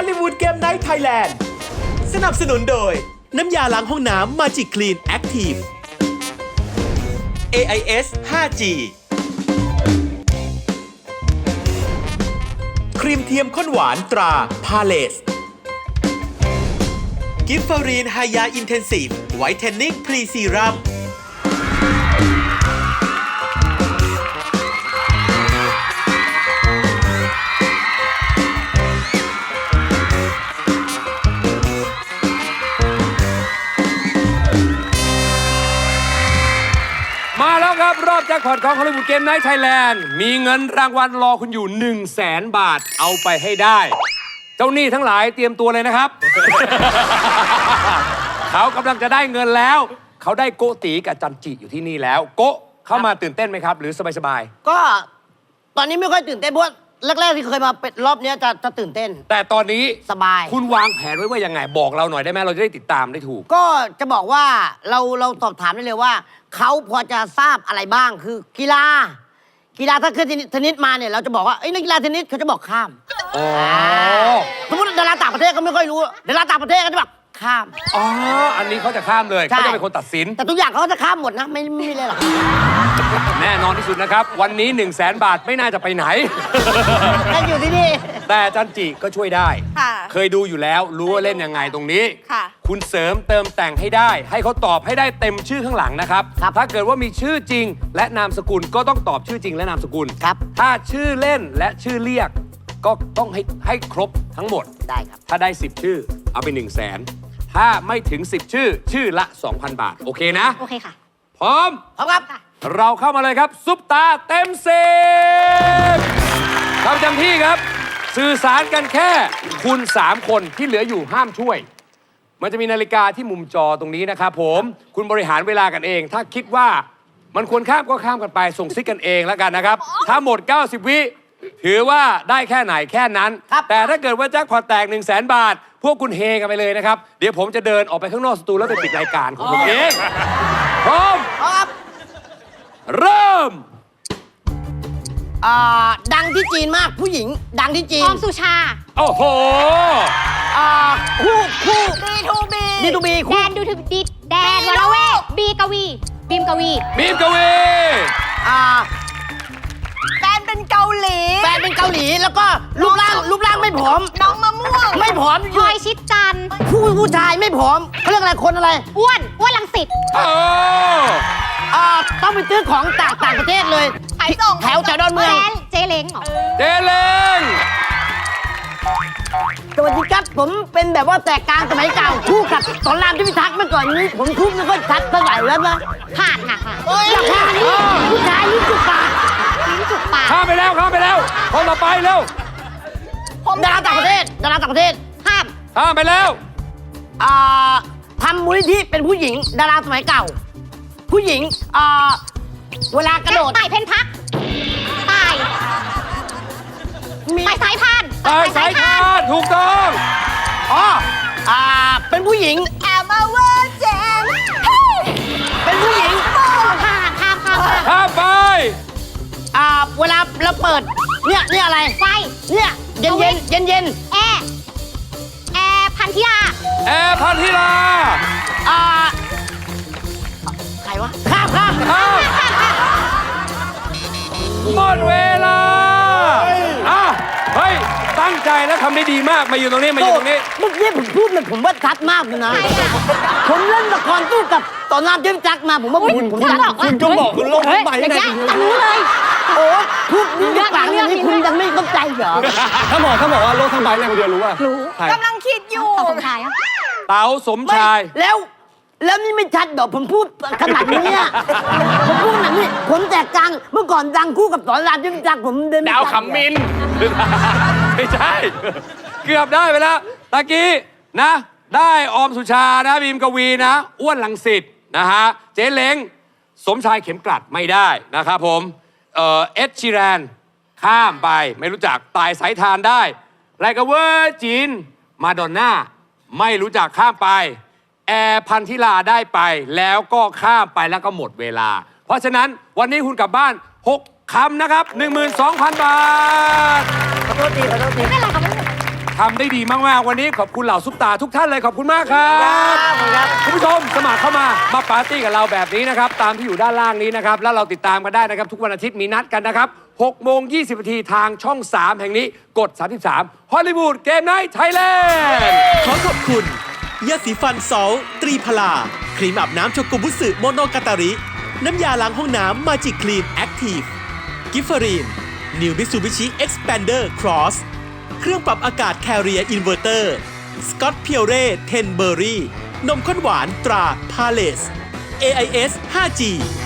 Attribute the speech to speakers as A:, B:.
A: ลลีวูดเกมไนท์ไทยแลนด์สนับสนุนโดยน้ำยาล้างห้องน้ำ Magic Clean Active AIS 5G ครีมเทียมข้นหวานตราพาเลสกิฟฟารีนไฮยาอินเทนซีฟไวท์เทนนิ่งพรีซีรัม
B: มาแล้วครับรอบแจ็คพอตของฮอลลีวูดเกมไนท์ไทยแลนด์มีเงินรางวัลรอคุณอยู่ 100,000 บาทเอาไปให้ได้ เจ้าหนี้ทั้งหลายเตรียมตัวเลยนะครับ เขากำลังจะได้เงินแล้ว เขาได้โกตีกับจันจิอยู่ที่นี่แล้ว โกเข้ามาตื่นเต้นไหมครับ หรือสบาย
C: ก็ตอนนี้ไม่ค่อยตื่นเต้นเพราะว่าแรกๆที่เคยมาเป็นรอบเนี้ยจะตื่นเต้น
B: ๆแต่ตอนนี้
C: สบาย
B: คุณวางแผนไว้ว่ายังไงบอกเราหน่อยได้ไหมเราจะได้ติดตามได้ถูก
C: ก็จะบอกว่าเราสอบถามได้เลยว่าเขาพอจะทราบอะไรบ้างคือกีฬาถ้าขึ้นเทนนิสมาเนี่ยเราจะบอกว่านักกีฬาเทนนิสเขาจะบอกข้าม
B: อ๋อ
C: สมมติดาราต่างประเทศก็ไม่ค่อยรู้ดาราต่างประเทศก็จะบอกข้าม
B: อ๋ออันนี้เขาจะข้ามเลย
C: ใช่
B: เขาจะเป็นคนตัดสิน
C: แต่ทุกอย่างเขาก็จะข้ามหมดนะไม่มีเลยหรอก
B: แน่นอนที่สุดนะครับวันนี้ 100,000 บาทไม่น่าจะไปไหน
C: แต่อยู่ที่นี่
B: แต่จันจิก็ช่วยได้
D: ค่ะ
B: เคยดูอยู่แล้วรู้ว่าเล่นยังไงตรงนี้
D: ค่ะ
B: คุณเสริมเติมแต่งให้ได้ ให้เขาตอบให้ได้เต็มชื่อข้างหลังนะครับ ถ้าเกิดว่ามีชื่อจริง และนามสกุลก็ต้องตอบชื่อจริงและนามสกุล
C: ครับ
B: ถ้าชื่อเล่นและชื่อเรียก ก็ต้องให้ครบทั้งหมด
C: ได้ครับ
B: ถ้าได้ 10 ชื่อเอาไป 100,000 ถ้าไม่ถึง 10 ชื่อละ 2,000 บาท โอเคนะ
D: โอเคค่ะ
B: พร้อม
C: พร้อมครับ
B: เราเข้ามาเลยครับ ซุปตาเต็ม10ประจำที่ครับ สื่อสารกันแค่คุณ 3 คนที่เหลืออยู่ห้ามช่วย มันจะมีนาฬิกาที่มุมจอตรงนี้นะครับผมคุณบริหารเวลากันเอง ถ้าคิดว่ามันควรข้ามก็ข้ามกันไป ส่งซิกกันเองแล้วกันนะครับ ถ้าหมด 90 วิถือว่าได้แค่ไหนแค่นั้น
C: ครับ
B: แต่ถ้าเกิดว่าแจ็คพอตแตก 100,000 บาท พวกคุณเฮกันไปเลยนะครับ เดี๋ยวผมจะเดินออกไปข้างนอกสตูแล้วไปปิดรายการของผมเองพร้อม
C: พร้อมครับ
B: เริ่ม
C: ดังที่จีนมากผู้หญิง ดังที่จี
D: อน อมสุชา
B: โอ้โห
C: คู่
D: B2B
C: B2B
D: แด
C: คู่
D: นดูถึงดิแดนวรเวทบีกวีบีมกวี
B: บีมกวี
D: แฟนเป็นเกาหลี
C: แฟนเป็นเกาหลีแล้วก็รูปร่างไม่ผอม
D: น้องมะม่วง
C: ไม่ผอม
D: พลอยชิดจันทร์
C: ผู้ชายไม่ผอมเขาเรียกอะไรคนอะไร
D: อ้วนรังสิต
B: โอ้
C: ต้องไปซื้อของต่างประเทศเลย
D: ขายส่ง
C: แถวดอนเมือง
D: เจเล้งเหรอ
B: เจเลง
C: สวัสดีครับผมเป็นแบบว่าแตกกลางสมัยเก่าคู่กับสอนรามที่พิทักษ์เมื่อก่อนนี้ผมคู่ไม่ค่อยชัดเท่าไหร่แล้วนะ
D: ผ่านค่ะ
C: อยากพาอันนี้ผู้ชายลิ้นจุกปาก
D: ลิ้นจุกปาก
B: ข้ามไปแล้วคนต่อไปเร็ว
C: ดาราต่างประเทศ
D: ข้าม
B: ข้ามไปแล้ว
C: ทำมูลนิธิเป็นผู้หญิง ดาราสมัยเก่า ผู้หญิงเวลากระโดด
D: ต่ายเพนพักต่าย
C: มี
D: ต่ายสายพาน
B: ตายสายคาดถูกต้อง
C: เป็นผู้หญิง
D: แอมมาเวอร์เจน
C: เป็นผู้หญิง
D: ข้าม
B: ข้ามไป
C: เวลาเราเปิดเนี่ยอะไร
D: ไฟ
C: เนี่ยเย็น
D: แอร์พันธิลา
B: แอร์พันธิลา
C: ใครวะข้าม
B: ข้ามหมดเวลาเฮ้ยตั้งใจแล้วทำได้ดีมากมาอยู่ตรงนี้
C: เมื่อกี้ผมพูดเลยผมว่าชัดมากเลยนะ
D: ใครอะ
C: ผมเล่นละครตู้กับตอนน้ำเจ๊จักมาผมว่าผมชัด
D: คุณจงบอกคุณลงทั้งใบอย่างเงี้ยรู้เลย
C: โอ้พูดนี่ปากอย่างนี้คุณยังไม่เข้าใจเหรอ
E: ถ้าบอกว่าโลกทั้งใบเนี่ยคนเดียวรู้ว่า
D: รู้
E: ใคร
D: กำลังคิดอยู่สมชายอะ
B: เต๋าสมชาย
C: แล้วนี่ไม่ชัดเหรอผมพูดขนาดนี้อะผมพูดขนาดนี้ผมแตกกลางเมื่อก่อนดังคู่กับสอนรามเจ๊จักผมเดิน
B: ดาวขำมิน ไม่ใช่ เกือบได้ไปแล้วตะกี้นะ ได้ออมสุชานะบีมกวีนะ อ้วนลังสิตนะฮะ เจ๊เล้งสมชายเข็มกลัดไม่ได้นะครับผมเอ็ดชีแรนข้ามไปไม่รู้จักตายสายทานได้ไรกเวอร์จีนมาดอนน่าไม่รู้จักข้ามไป แอร์พันธิลาได้ไปแล้วก็ข้ามไปแล้วก็หมดเวลา เพราะฉะนั้นวันนี้คุณกลับบ้าน 6 คำนะครับ 12,000 บาท
C: ขอโทษที
D: ไม่เป็นไรครับ
B: ทำได้ดีมากๆวันนี้ขอบคุณเหล่าซุปตาทุกท่านเลยขอบคุณมากครับคุณผู้ชมสมัครเข้ามาปาร์ตี้กับเราแบบนี้นะครับตามที่อยู่ด้านล่างนี้นะครับแล้วเราติดตามกันได้นะครับทุกวันอาทิตย์มีนัดกันนะครับ6 โมง 20 นาทีทางช่อง 3 แห่งนี้กด 33 ฮอลลีวูดเกมไนท์ไทยแลนด์
A: ขอขอบคุณยาสีฟันซอลตรีพลาครีมอาบน้ำโชกุบุสึโมโนกาตาริ น้ำยาล้างห้องน้ำมาจิคลีนแอคทีฟกิฟเฟอรีนนิวมิซูบิชิเอ็กซ์แพนเดอร์ครอสเครื่องปรับอากาศแคเรียอินเวอร์เตอร์สกอตเพียวเร่10 เบอร์รี่นมข้นหวานตราพาเลส AIS 5G